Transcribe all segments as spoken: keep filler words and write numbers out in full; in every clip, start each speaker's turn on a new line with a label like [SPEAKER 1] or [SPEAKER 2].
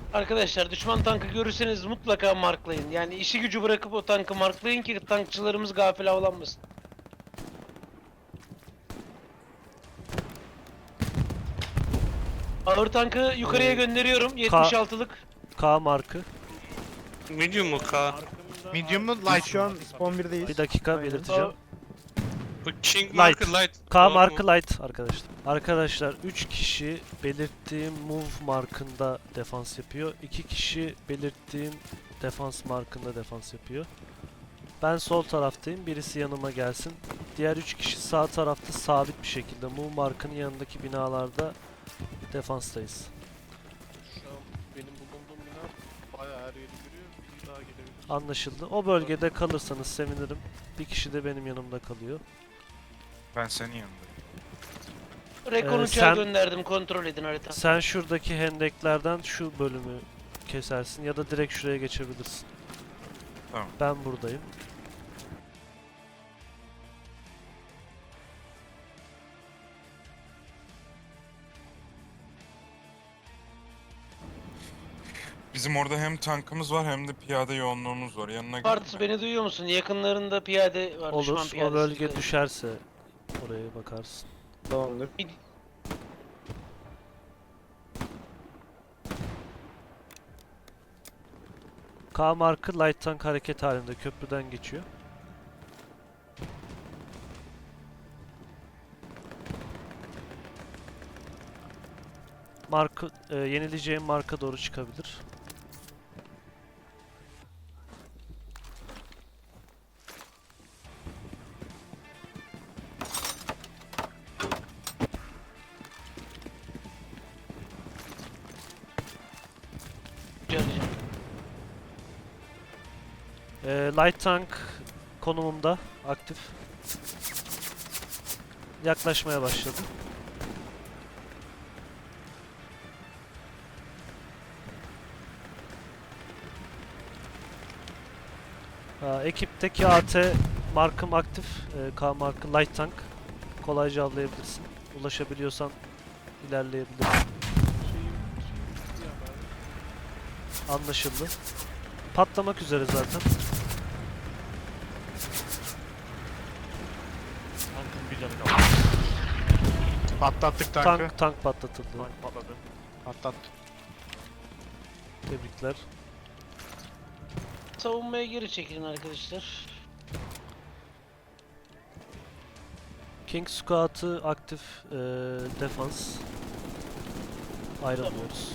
[SPEAKER 1] Arkadaşlar düşman tankı görürseniz mutlaka marklayın. Yani işi gücü bırakıp o tankı marklayın ki tankçılarımız gafil avlanmasın. Ağır tankı yukarıya
[SPEAKER 2] Ee,
[SPEAKER 1] gönderiyorum.
[SPEAKER 2] K,
[SPEAKER 1] yetmiş altılık.
[SPEAKER 2] K markı.
[SPEAKER 3] Medium mu K?
[SPEAKER 4] Medium mu
[SPEAKER 5] Biz
[SPEAKER 4] light
[SPEAKER 5] şu
[SPEAKER 4] mı?
[SPEAKER 5] an spawn birdeyiz.
[SPEAKER 2] Bir dakika
[SPEAKER 5] Aynen.
[SPEAKER 2] belirteceğim.
[SPEAKER 3] Bu King
[SPEAKER 2] Light.
[SPEAKER 3] markı light.
[SPEAKER 2] K
[SPEAKER 3] Doğru
[SPEAKER 2] markı
[SPEAKER 3] mu?
[SPEAKER 2] light arkadaşlar. Arkadaşlar üç kişi belirttiğim move markında defans yapıyor. iki kişi belirttiğim defans markında defans yapıyor. Ben sol taraftayım. Birisi yanıma gelsin. Diğer üç kişi sağ tarafta sabit bir şekilde move markının yanındaki binalarda defanstayız.
[SPEAKER 6] Şu an benim bulunduğum bina bayağı her yeri görüyor. Bir daha gelebilir.
[SPEAKER 2] Anlaşıldı. O bölgede kalırsanız sevinirim. Bir kişi de benim yanımda kalıyor.
[SPEAKER 4] Ben senin yanındayım.
[SPEAKER 1] Rekon
[SPEAKER 2] Ee,
[SPEAKER 1] uçağı
[SPEAKER 2] sen-
[SPEAKER 1] gönderdim, kontrol edin harita.
[SPEAKER 2] Sen şuradaki hendeklerden şu bölümü kesersin ya da direkt şuraya geçebilirsin.
[SPEAKER 4] Tamam.
[SPEAKER 2] Ben buradayım.
[SPEAKER 7] Bizim orada hem tankımız var hem de piyade yoğunluğumuz var. Yanına gel.
[SPEAKER 1] Parts beni duyuyor musun? Yakınlarında piyade var. düşman
[SPEAKER 2] Olur. O
[SPEAKER 1] piyadesi.
[SPEAKER 2] bölge düşerse oraya bakarsın.
[SPEAKER 5] Tamamdır.
[SPEAKER 2] K markı light tank hareket halinde köprüden geçiyor. Marka, e, yenileceğim marka doğru çıkabilir. E, light tank konumumda aktif. Yaklaşmaya başladı. Aa, ekipteki A T markım aktif. Ee, K markı light tank. Kolayca avlayabilirsin. Ulaşabiliyorsan ilerleyebilirsin.
[SPEAKER 6] Şeyim, şeyim ya ben.
[SPEAKER 2] Anlaşıldı. Patlamak üzere zaten.
[SPEAKER 5] Tankın bir canı kaldı.
[SPEAKER 4] Patlattık tankı.
[SPEAKER 2] Tank tank patlatıldı.
[SPEAKER 5] Tank patladı.
[SPEAKER 4] Patlattık.
[SPEAKER 2] Tebrikler.
[SPEAKER 1] Savunmaya geri çekilin arkadaşlar.
[SPEAKER 2] King Squad'ı aktif ee, defans. Ayrılmıyoruz.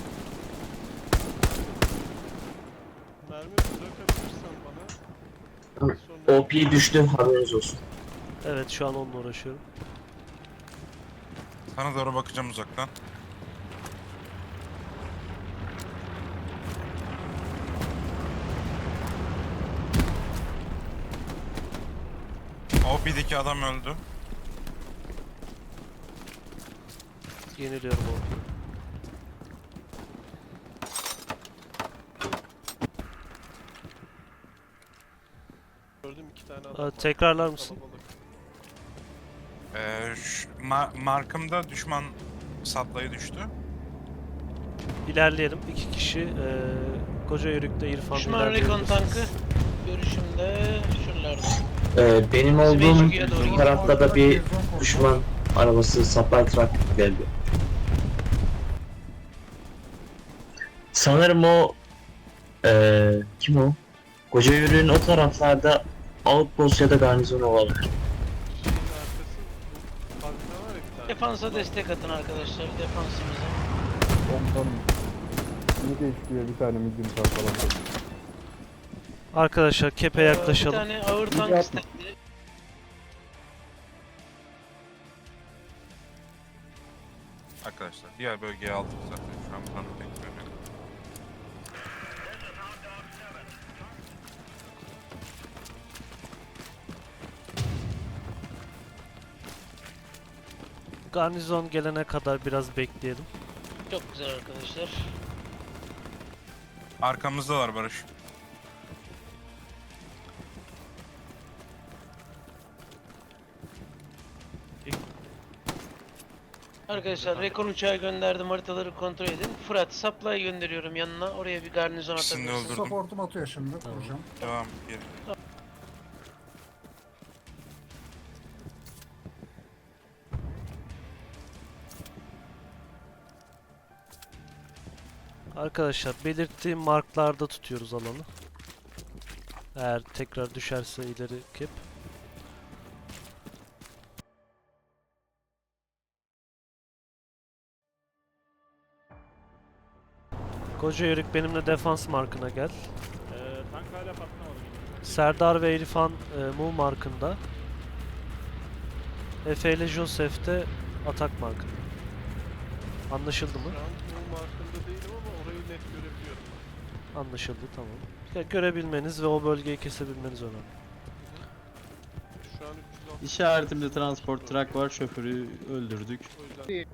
[SPEAKER 6] Mermi bırakabilirsen bana. Sonra
[SPEAKER 8] O P düştü, haberiniz olsun.
[SPEAKER 2] Evet, şu an onunla uğraşıyorum.
[SPEAKER 7] Sana doğru bakacağım uzaktan. O P'deki adam öldü.
[SPEAKER 2] Yeniliyorum onu.
[SPEAKER 6] gördüm iki tane adam
[SPEAKER 2] Aa,
[SPEAKER 6] var.
[SPEAKER 2] tekrarlar mısın?
[SPEAKER 6] Kalabalık.
[SPEAKER 7] Ee, şu- ma- markımda düşman saplayı düştü.
[SPEAKER 2] İlerleyelim. İki kişi ee, koca yörükte İrfan
[SPEAKER 1] Düşman rekon tankı. Görüşümde şuralarda.
[SPEAKER 8] Ee, benim
[SPEAKER 1] Bizi
[SPEAKER 8] olduğum
[SPEAKER 1] Belçika'ya doğru gidiyor.
[SPEAKER 8] tarafta da bir düşman arabası supply truck geldi. Sanırım o ee, kim o? Koca yürüyün o taraflarda outpost ya da garnizon olabilir.
[SPEAKER 6] Şeyin arkası bu fabrika var ya bir tane.
[SPEAKER 1] Defansa destek atın arkadaşlar. Defansımıza.
[SPEAKER 5] Komutanım. Ne değiştiriyor bir tane medium tank falan.
[SPEAKER 2] Arkadaşlar kepe
[SPEAKER 1] Ee,
[SPEAKER 2] yaklaşalım.
[SPEAKER 1] Bir tane ağır
[SPEAKER 5] Bir
[SPEAKER 1] tank
[SPEAKER 5] yapma.
[SPEAKER 1] istendi.
[SPEAKER 7] Arkadaşlar diğer bölgeye aldık zaten. Şu an tank beklemiyorum.
[SPEAKER 2] Garnizon gelene kadar biraz bekleyelim.
[SPEAKER 1] Çok güzel arkadaşlar.
[SPEAKER 7] Arkamızdalar Barış.
[SPEAKER 1] Arkadaşlar rekon uçağı gönderdim, haritaları kontrol edin. Fırat supply gönderiyorum yanına, oraya bir garnizon
[SPEAKER 7] İkisini de
[SPEAKER 1] atabilirsin.
[SPEAKER 7] öldürdüm.
[SPEAKER 9] Supportum atıyor şimdi.
[SPEAKER 2] Tamam.
[SPEAKER 9] Vuracağım.
[SPEAKER 7] Devam geri.
[SPEAKER 2] Arkadaşlar belirttiğim marklarda tutuyoruz alanı. Eğer tekrar düşerse ileri kep. Koca Yörük benimle defans markına gel.
[SPEAKER 5] tank hala patlamadı.
[SPEAKER 2] Serdar ve İrfan e, Mu markında. Efe ile Joseph de atak markında. Anlaşıldı mı?
[SPEAKER 6] Şu an bu markında değilim ama orayı net görebiliyorum.
[SPEAKER 2] Anlaşıldı, tamam. Ya, görebilmeniz ve o bölgeyi kesebilmeniz önemli.
[SPEAKER 6] Şu an üç yüz altmış.
[SPEAKER 10] İşaretimde transport truck var, şoförü öldürdük.
[SPEAKER 6] O yüzden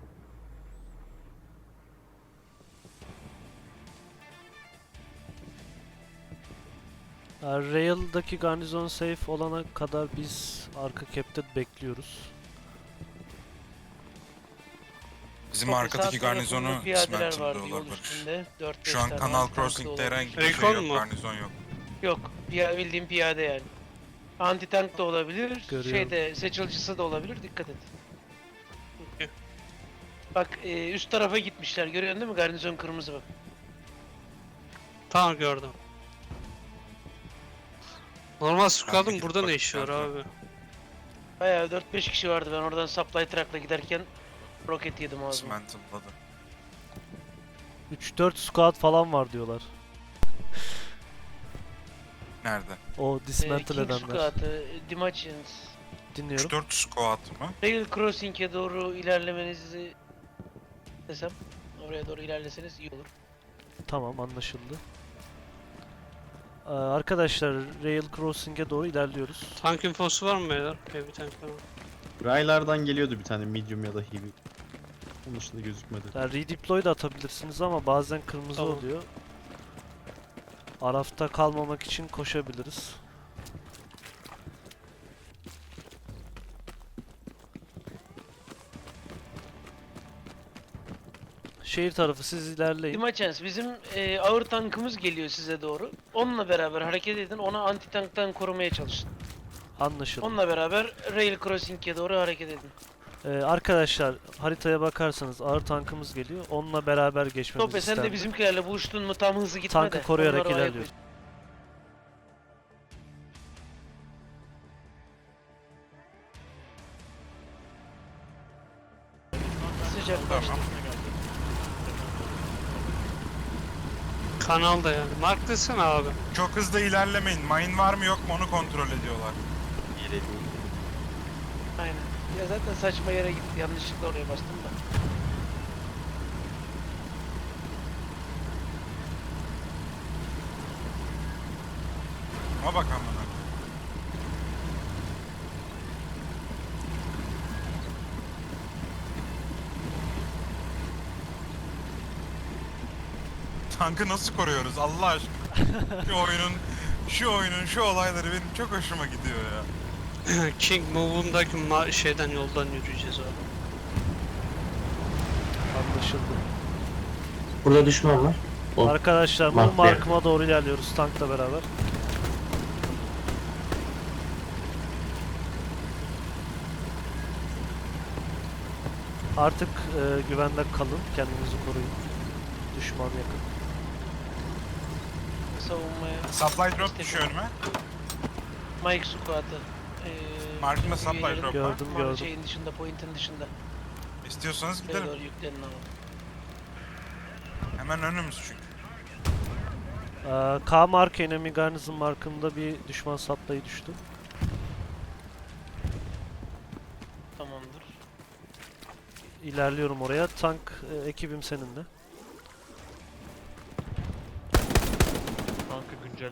[SPEAKER 2] Yani Rail'daki garnizon safe olana kadar biz arka cap'te bekliyoruz.
[SPEAKER 7] Bizim
[SPEAKER 1] Okey,
[SPEAKER 7] arkadaki
[SPEAKER 1] sağ tarafında
[SPEAKER 7] garnizonu
[SPEAKER 1] piyadeler
[SPEAKER 7] dismantle'da
[SPEAKER 1] vardı yol
[SPEAKER 7] Barış.
[SPEAKER 1] üstünde. dört beş
[SPEAKER 7] Şu an
[SPEAKER 1] tane
[SPEAKER 7] Kanal
[SPEAKER 1] tank da
[SPEAKER 7] Crossing'de
[SPEAKER 1] olabilir.
[SPEAKER 7] herhangi bir
[SPEAKER 3] Recon
[SPEAKER 7] şey yok,
[SPEAKER 3] mu?
[SPEAKER 7] garnizon yok.
[SPEAKER 1] Yok, piya, bildiğim piyade yani. Anti tank da olabilir,
[SPEAKER 2] Görüyorum.
[SPEAKER 1] şeyde seçilcisi de olabilir, dikkat et.
[SPEAKER 3] Okey.
[SPEAKER 1] Bak e, üst tarafa gitmişler, görüyorsun değil mi? Garnizon kırmızı bak.
[SPEAKER 3] Tamam gördüm. Normal squad'ın
[SPEAKER 7] gidip
[SPEAKER 3] burada ne
[SPEAKER 7] bakayım
[SPEAKER 3] işi var
[SPEAKER 7] zaten.
[SPEAKER 3] abi?
[SPEAKER 1] Bayağı dört beş kişi vardı, ben oradan supply truck'la giderken roket yedim ağzıma.
[SPEAKER 7] Dismantle'ladı.
[SPEAKER 2] üç dört squad falan var diyorlar.
[SPEAKER 7] Nerede?
[SPEAKER 2] O
[SPEAKER 1] Ee,
[SPEAKER 2] dismantle
[SPEAKER 1] King
[SPEAKER 2] edenler.
[SPEAKER 1] Squad'ı, Dimachians,
[SPEAKER 2] Dinliyorum.
[SPEAKER 7] üç dört squad mı?
[SPEAKER 1] Rail Crossing'e doğru ilerlemenizi desem, oraya doğru ilerleseniz iyi olur.
[SPEAKER 2] Tamam, anlaşıldı. Ee, arkadaşlar Rail Crossing'e doğru ilerliyoruz.
[SPEAKER 3] Tank infosu var mı beyler? Heavy tank falan.
[SPEAKER 10] Raylardan geliyordu bir tane medium ya da heavy. Onun dışında gözükmedi.
[SPEAKER 2] Yani redeploy da atabilirsiniz ama bazen kırmızı
[SPEAKER 3] Tamam.
[SPEAKER 2] oluyor. Arafta kalmamak için koşabiliriz. Şehir tarafı siz ilerleyin.
[SPEAKER 1] Dimachians, bizim e, ağır tankımız geliyor size doğru. Onunla beraber hareket edin, ona anti tanktan korumaya çalışın.
[SPEAKER 2] Anlaşıldı.
[SPEAKER 1] Onunla beraber Rail Crossing'e doğru hareket edin.
[SPEAKER 2] Ee, arkadaşlar haritaya bakarsanız ağır tankımız geliyor. Onunla beraber geçmemiz
[SPEAKER 1] Tope sen de
[SPEAKER 2] istendi.
[SPEAKER 1] bizimkilerle buluştun mu tam hızlı gitme
[SPEAKER 2] Tankı
[SPEAKER 1] de.
[SPEAKER 2] koruyarak
[SPEAKER 1] onları oraya
[SPEAKER 2] ilerliyoruz.
[SPEAKER 1] koy. Sıcak başlı.
[SPEAKER 7] Tamam.
[SPEAKER 3] Kanalda yani. Mark desene abi.
[SPEAKER 7] Çok hızlı ilerlemeyin. Mine var mı yok mu onu kontrol ediyorlar.
[SPEAKER 1] Aynen. Ya zaten saçma yere gitti. Yanlışlıkla oraya bastım da.
[SPEAKER 7] Ama bak amına. Tankı nasıl koruyoruz Allah aşkına? Şu oyunun, şu oyunun, şu olayları benim çok hoşuma gidiyor ya.
[SPEAKER 3] King Move'undaki ma- şeyden yoldan yürüyeceğiz abi.
[SPEAKER 2] Anlaşıldı.
[SPEAKER 8] Burada düşman var. O.
[SPEAKER 2] Arkadaşlar bu
[SPEAKER 8] Mark
[SPEAKER 2] markıma doğru ilerliyoruz tankla beraber. Artık e, güvende kalın, kendinizi koruyun. Düşman yakın.
[SPEAKER 1] Savunmaya.
[SPEAKER 7] Supply drop düşüyor önüme.
[SPEAKER 1] Mike Squad'ı. Ee,
[SPEAKER 7] Markında
[SPEAKER 1] bizim
[SPEAKER 7] supply
[SPEAKER 1] üyelerin
[SPEAKER 7] drop var.
[SPEAKER 2] Gördüm
[SPEAKER 1] Mar-
[SPEAKER 2] gördüm.
[SPEAKER 1] Şeyin dışında, point'in dışında.
[SPEAKER 7] İstiyorsanız
[SPEAKER 1] Buraya
[SPEAKER 7] gidelim.
[SPEAKER 1] doğru yüklenin ama.
[SPEAKER 7] Hemen önümüz çünkü.
[SPEAKER 2] Ee, K mark enemy garnison markında bir düşman supply düştü.
[SPEAKER 1] Tamamdır.
[SPEAKER 2] İlerliyorum oraya. Tank e, ekibim seninle.
[SPEAKER 5] Tankı güncel.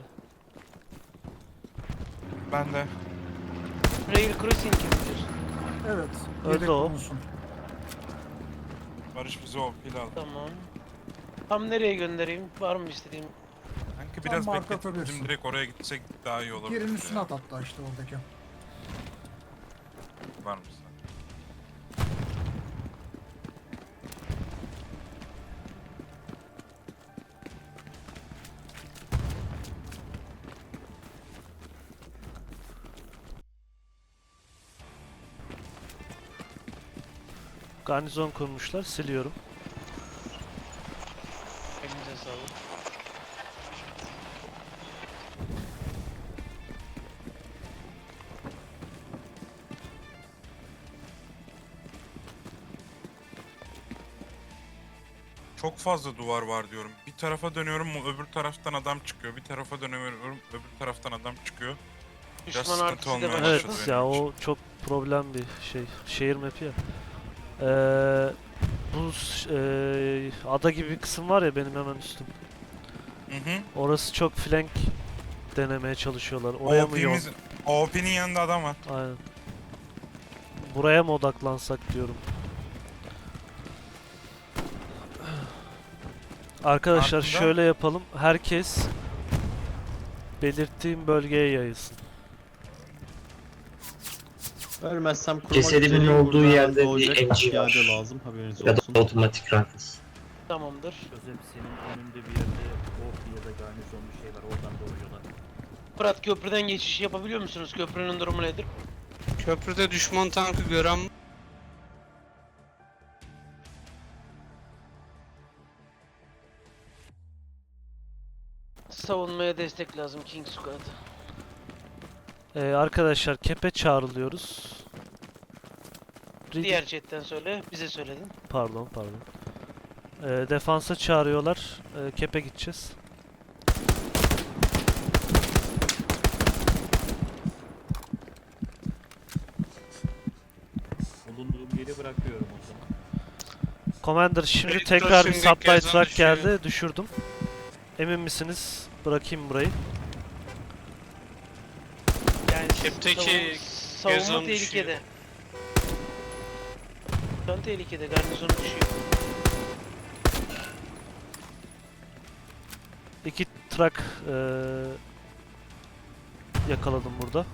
[SPEAKER 7] Ben de.
[SPEAKER 1] Rail Crossing'e gidiyorsun.
[SPEAKER 9] Evet.
[SPEAKER 2] Öldü
[SPEAKER 9] yedek
[SPEAKER 2] o.
[SPEAKER 9] bulunsun.
[SPEAKER 7] Barış bizi o pil aldı.
[SPEAKER 1] Tamam. Tam nereye göndereyim? Var mı istediğim?
[SPEAKER 7] Sanki
[SPEAKER 9] Tam
[SPEAKER 7] biraz
[SPEAKER 9] marka
[SPEAKER 7] bekletip bizim
[SPEAKER 9] atabilirsin.
[SPEAKER 7] direkt oraya gitsek daha iyi olur.
[SPEAKER 9] Yerin üstüne at hatta işte oradaki.
[SPEAKER 7] Var mısın?
[SPEAKER 2] Garnizon kurmuşlar. Siliyorum.
[SPEAKER 1] Elinize sağlık.
[SPEAKER 7] Çok fazla duvar var diyorum. Bir tarafa dönüyorum öbür taraftan adam çıkıyor. Bir tarafa dönüyorum öbür taraftan adam çıkıyor.
[SPEAKER 1] Düşman
[SPEAKER 7] sıkıntı
[SPEAKER 1] artısı da
[SPEAKER 7] olmaya
[SPEAKER 1] var.
[SPEAKER 2] Evet
[SPEAKER 7] başladı
[SPEAKER 2] ya
[SPEAKER 7] benim için.
[SPEAKER 2] o çok problem bir şey. Şehir map'i ya. Ee, bu s- ee, ada gibi bir kısım var ya benim hemen üstüm.
[SPEAKER 7] Hı hı.
[SPEAKER 2] Orası çok flank denemeye çalışıyorlar. Oraya mı yol?
[SPEAKER 7] O P'miz, O P'nin yanında adam var.
[SPEAKER 2] Aynen. Buraya mı odaklansak diyorum. Arkadaşlar
[SPEAKER 7] Aklında-
[SPEAKER 2] şöyle yapalım. Herkes belirttiğim bölgeye yayılsın.
[SPEAKER 10] Ölmezsem kurmak
[SPEAKER 8] Cesedimin
[SPEAKER 10] üzereyim.
[SPEAKER 8] olduğu
[SPEAKER 10] Burada
[SPEAKER 8] yerde
[SPEAKER 10] doğacak
[SPEAKER 8] bir M G var.
[SPEAKER 10] piyade lazım, haberiniz
[SPEAKER 8] Ya
[SPEAKER 10] olsun.
[SPEAKER 8] da otomatik rifles.
[SPEAKER 1] Tamamdır.
[SPEAKER 5] Gözüm senin önünde bir yerde ork ya da garnizon bir şey var. Oradan doğuyorlar.
[SPEAKER 1] Fırat köprüden geçiş yapabiliyor musunuz? Köprünün durumu nedir?
[SPEAKER 3] Köprüde düşman tankı gören
[SPEAKER 1] Savunmaya destek lazım King Squad.
[SPEAKER 2] Ee, arkadaşlar kepe çağrılıyoruz. Ready-
[SPEAKER 1] Diğer chatten söyle. Bize söyledin.
[SPEAKER 2] Pardon pardon. Ee, defansa çağırıyorlar. Ee, kepe gideceğiz.
[SPEAKER 5] Bulunduğum yeri bırakıyorum o zaman.
[SPEAKER 2] Commander şimdi
[SPEAKER 3] Ready
[SPEAKER 2] tekrar bir
[SPEAKER 3] Crossing'deki
[SPEAKER 2] supply
[SPEAKER 3] yazan
[SPEAKER 2] truck
[SPEAKER 3] düşüyor.
[SPEAKER 2] geldi. Düşürdüm. Emin misiniz? Bırakayım burayı.
[SPEAKER 1] Yani
[SPEAKER 3] Kepteki
[SPEAKER 1] savun- savunma
[SPEAKER 3] Gezon
[SPEAKER 1] tehlikede. Şu an tehlikede. Garnizonu düşüyor.
[SPEAKER 2] İki truck eee, yakaladım burada.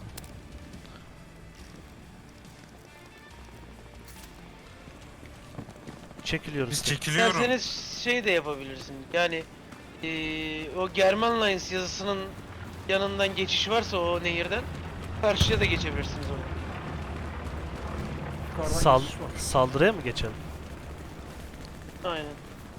[SPEAKER 2] Çekiliyoruz.
[SPEAKER 7] Biz
[SPEAKER 2] tek.
[SPEAKER 7] çekiliyorum.
[SPEAKER 1] İsterseniz şey de yapabilirsin. Yani eee, o German Lines yazısının yanından geçiş varsa o nehirden karşıya da geçebilirsiniz oraya.
[SPEAKER 9] Yukarıdan
[SPEAKER 2] Sal
[SPEAKER 9] geçiş var.
[SPEAKER 2] saldırıya mı geçelim?
[SPEAKER 1] Aynen.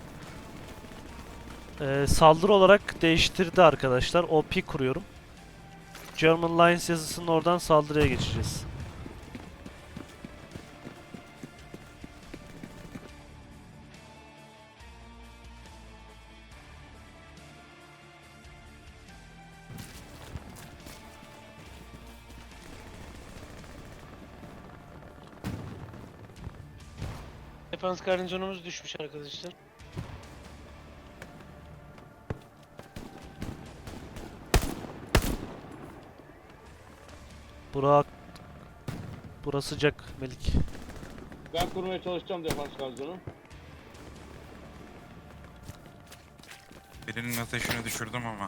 [SPEAKER 2] Eee, saldırı olarak değiştirdi arkadaşlar. O P kuruyorum. German Lines yazısının oradan saldırıya geçeceğiz.
[SPEAKER 1] Defans garnizonumuz düşmüş arkadaşlar.
[SPEAKER 2] Burak Burası sıcak Melik.
[SPEAKER 6] Ben kurmaya çalışacağım defans garnizonu.
[SPEAKER 7] Birinin ateşini düşürdüm ama.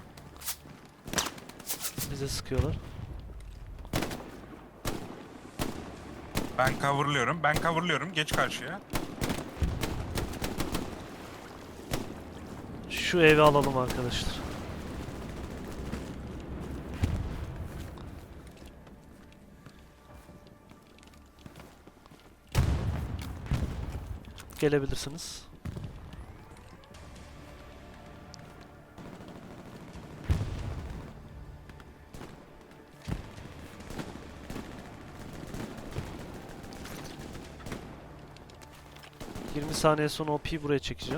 [SPEAKER 2] Bize sıkıyorlar.
[SPEAKER 7] Ben coverlıyorum. Ben coverlıyorum. Geç karşıya.
[SPEAKER 2] Şu evi alalım arkadaşlar. Gelebilirsiniz. yirmi saniye sonra O P'yi buraya çekeceğim.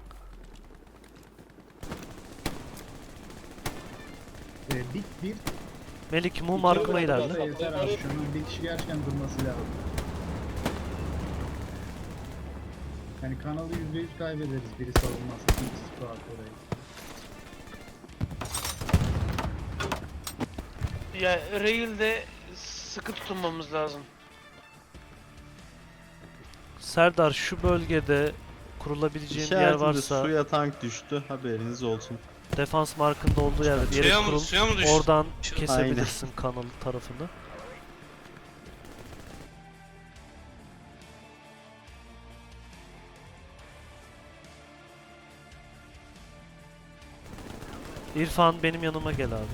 [SPEAKER 9] Ee, bir, bir
[SPEAKER 2] Melik mum markıma ilerle.
[SPEAKER 9] yeter abi. Şunun bir kişi gerçekten durması lazım. Yani kanalı yüzde yüz kaybederiz biri savunmazsa. İkisi squad orayı.
[SPEAKER 1] Ya rail'de sıkı tutunmamız lazım.
[SPEAKER 2] Serdar şu bölgede kurulabileceğin bir yer
[SPEAKER 10] İşaretimde
[SPEAKER 2] varsa
[SPEAKER 10] suya tank düştü, haberiniz olsun.
[SPEAKER 2] defans markında olduğu yerde bir yere
[SPEAKER 3] suya mı,
[SPEAKER 2] kurul.
[SPEAKER 3] suya mı düştü?
[SPEAKER 2] Oradan
[SPEAKER 3] Şu-
[SPEAKER 2] kesebilirsin kanal tarafını. İrfan benim yanıma gel abi.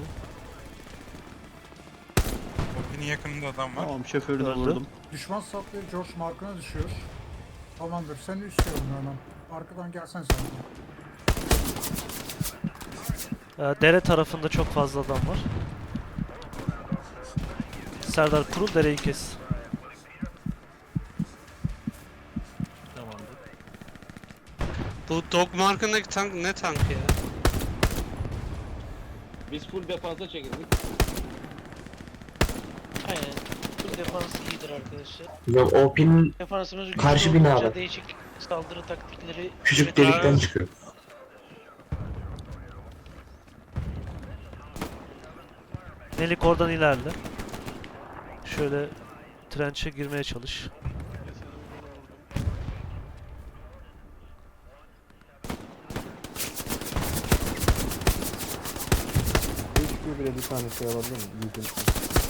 [SPEAKER 7] O P'nin yakınında adam var.
[SPEAKER 10] Tamam, şoförü de
[SPEAKER 2] Öldü.
[SPEAKER 10] vurdum.
[SPEAKER 9] Düşman sapları George Mark'ına düşüyor. Tamamdır. Sen üst yolunu adam. Arkadan gelsen sen.
[SPEAKER 2] Ee, dere tarafında çok fazla adam var. Serdar kurul, dereyi kes.
[SPEAKER 3] Bu dog markındaki tank ne tank ya?
[SPEAKER 6] Biz full defansa çekildik.
[SPEAKER 1] Aynen. Bu defans iyidir arkadaşlar.
[SPEAKER 8] Hocam O P'nin
[SPEAKER 1] Defansımız güçlü
[SPEAKER 8] Karşı
[SPEAKER 1] olunca
[SPEAKER 8] binada.
[SPEAKER 1] değişik saldırı taktikleri
[SPEAKER 8] küçük
[SPEAKER 1] üretmeye
[SPEAKER 8] delikten
[SPEAKER 1] başlıyoruz.
[SPEAKER 8] çıkıyor.
[SPEAKER 2] Melik oradan ilerle. Şöyle trençe girmeye çalış.
[SPEAKER 5] H Q bile bir tane şey alabilir mi? Medium tank.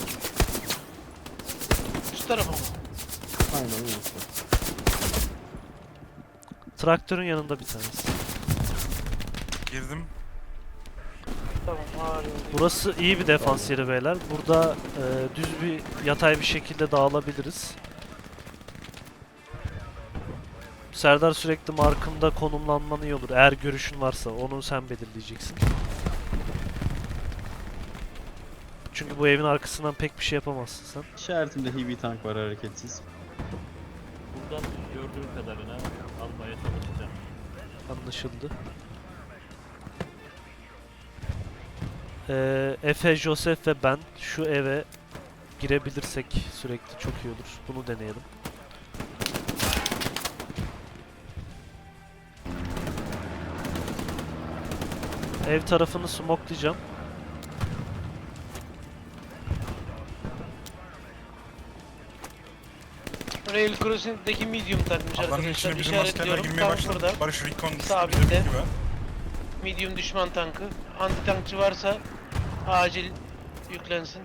[SPEAKER 1] Şu tarafa mı?
[SPEAKER 5] Aynen öyle işte.
[SPEAKER 2] Traktörün yanında bir tanesi.
[SPEAKER 7] Girdim.
[SPEAKER 1] Tamam, ağır yol.
[SPEAKER 2] Burası iyi bir defans yeri beyler. Burada e, düz bir yatay bir şekilde dağılabiliriz. Serdar sürekli markımda konumlanman iyi olur. Eğer görüşün varsa onu sen belirleyeceksin. Çünkü bu evin arkasından pek bir şey yapamazsın sen.
[SPEAKER 10] İşaretimde heavy tank var hareketsiz.
[SPEAKER 6] Buradan gördüğüm kadarına almaya çalışacağım.
[SPEAKER 2] Anlaşıldı. Ee, Efe, Joseph ve ben şu eve girebilirsek sürekli çok iyi olur. Bunu deneyelim. Ev tarafını smokelayacağım.
[SPEAKER 1] Rail Crossing'deki medium takmış
[SPEAKER 7] Alanın
[SPEAKER 1] arkadaşlar.
[SPEAKER 7] içine bizim askerler
[SPEAKER 1] İşaretliyorum.
[SPEAKER 7] girmeye
[SPEAKER 1] Tam
[SPEAKER 7] başladı.
[SPEAKER 1] burada.
[SPEAKER 7] Barış Recon düştü
[SPEAKER 1] Sabitte.
[SPEAKER 7] bizim gibi.
[SPEAKER 1] Medium düşman tankı. Anti tankçı varsa acil yüklensin.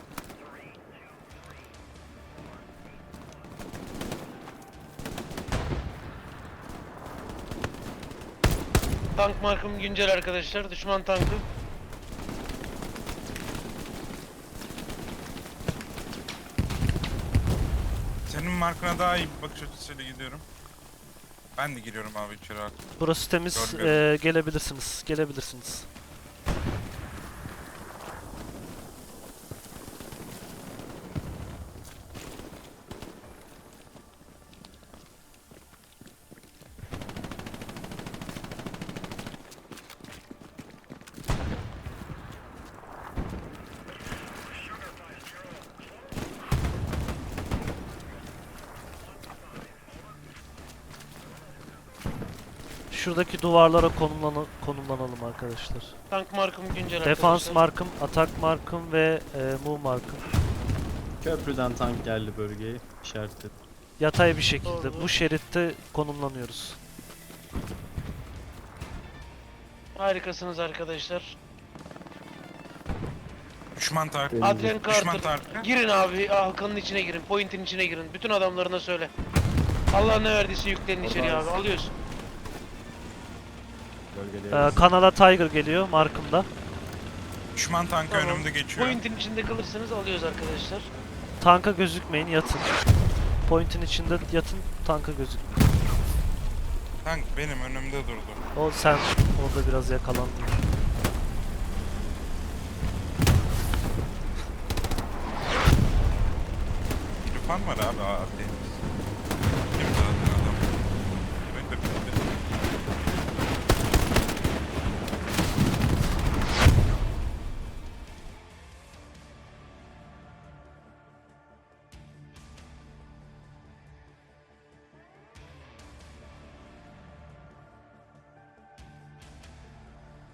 [SPEAKER 1] Tank markım güncel arkadaşlar. Düşman tankı.
[SPEAKER 7] Senin markına daha iyi bir bakış açısıyla gidiyorum. Ben de giriyorum abi içeri artık.
[SPEAKER 2] Burası temiz.
[SPEAKER 7] Görmüyorum.
[SPEAKER 2] Ee, gelebilirsiniz. Gelebilirsiniz. Şuradaki duvarlara konumlan konumlanalım arkadaşlar.
[SPEAKER 1] Tank markım güncel
[SPEAKER 2] Defans
[SPEAKER 1] arkadaşlar.
[SPEAKER 2] markım, atak markım ve e, move markım.
[SPEAKER 10] Köprüden tank geldi bölgeye. İşaretledim.
[SPEAKER 2] Yatay bir şekilde
[SPEAKER 1] Doğru.
[SPEAKER 2] bu şeritte konumlanıyoruz.
[SPEAKER 1] Harikasınız arkadaşlar.
[SPEAKER 7] Düşman tark.
[SPEAKER 5] Benim
[SPEAKER 1] Adrian
[SPEAKER 7] Düşman
[SPEAKER 1] Carter.
[SPEAKER 7] tarkı.
[SPEAKER 1] Girin abi halkanın içine girin. Point'in içine girin. Bütün adamlarına söyle. Allah ne verdiyse yüklenin içeri abi. Alıyorsun.
[SPEAKER 2] Ee, kanala Tiger geliyor markımda.
[SPEAKER 7] Düşman tankı
[SPEAKER 1] Tamam.
[SPEAKER 7] önümde geçiyor.
[SPEAKER 1] Point'in içinde kalırsanız alıyoruz arkadaşlar.
[SPEAKER 2] Tanka gözükmeyin, yatın. Point'in içinde yatın, tanka gözükmeyin.
[SPEAKER 7] Tank benim önümde durdu.
[SPEAKER 2] O sen orada biraz yakalandın.
[SPEAKER 7] Tufan var abi abi.